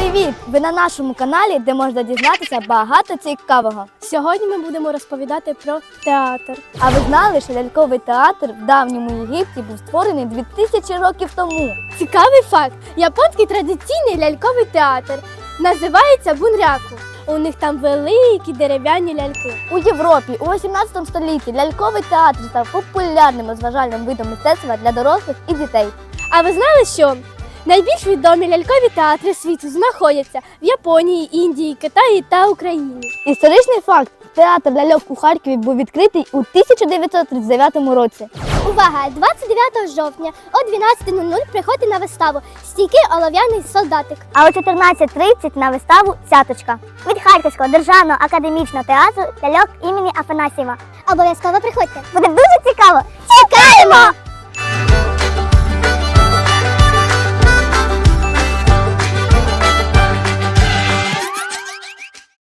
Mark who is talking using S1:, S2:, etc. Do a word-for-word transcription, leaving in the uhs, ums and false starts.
S1: Привіт! Ви на нашому каналі, де можна дізнатися багато цікавого.
S2: Сьогодні ми будемо розповідати про театр.
S1: А ви знали, що ляльковий театр в давньому Єгипті був створений дві тисячі років тому?
S2: Цікавий факт. Японський традиційний ляльковий театр називається бунряку. У них там великі дерев'яні ляльки.
S1: У Європі у вісімнадцятому столітті ляльковий театр став популярним розважальним видом мистецтва для дорослих і дітей.
S2: А ви знали, що найбільш відомі лялькові театри світу знаходяться в Японії, Індії, Китаї та Україні?
S1: Історичний факт. Театр ляльок у Харкові був відкритий у тисяча дев'ятсот тридцять дев'ятому році.
S2: Увага! двадцять дев'ятого жовтня о дванадцятій нуль нуль приходьте на виставу «Стійкий олов'яний солдатик».
S1: А о чотирнадцятій тридцять на виставу «Цяточка» від Харківського державного академічного театру ляльок імені Афанасьєва.
S2: Обов'язково приходьте!
S1: Буде дуже цікаво! Чекаємо!